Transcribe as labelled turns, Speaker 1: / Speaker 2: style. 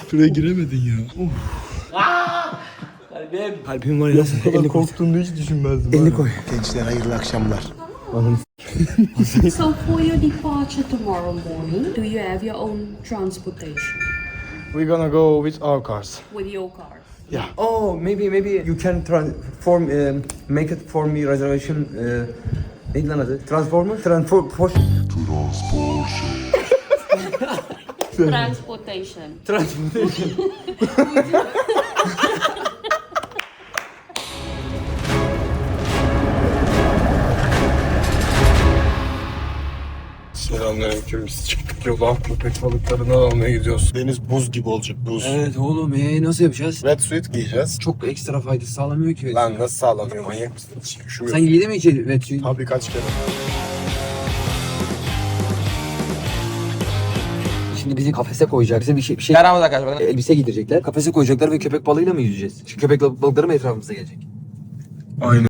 Speaker 1: Şuraya giremedin ya.
Speaker 2: Kalbim.
Speaker 1: Kalbim var ya.
Speaker 2: Elini korktuğunu hiç düşünmezdim.
Speaker 1: Elini koy.
Speaker 3: Gençler hayırlı akşamlar.
Speaker 4: So for your departure tomorrow morning, do you have your own transportation
Speaker 2: We're gonna go with our cars.
Speaker 4: with your car?
Speaker 2: Oh, maybe you can make it for me reservation. Neydi lan adı? Transformer?
Speaker 4: Transportation.
Speaker 2: Transportation.
Speaker 1: Selamünaleyküm. Biz çıktık yola. Köpek balıklarını almaya gidiyoruz. Deniz buz gibi olacak, buz.
Speaker 2: Evet oğlum nasıl yapacağız?
Speaker 1: Wetsuit giyeceğiz.
Speaker 2: Çok ekstra faydası sağlamıyor ki.
Speaker 1: Lan nasıl sağlamıyor, manyak mısın? Hiç üşümüyor.
Speaker 2: Sen giydin mi hiç wetsuit?
Speaker 1: Tabii kaç kere.
Speaker 2: Şimdi bizi kafese koyacak. Bize bir şey yaramaz arkadaşlar. Elbise giydirecekler. Kafese koyacaklar ve köpek balığıyla mı yüzeceğiz? Çünkü köpek balıkları mı etrafımıza gelecek?
Speaker 1: Aynen.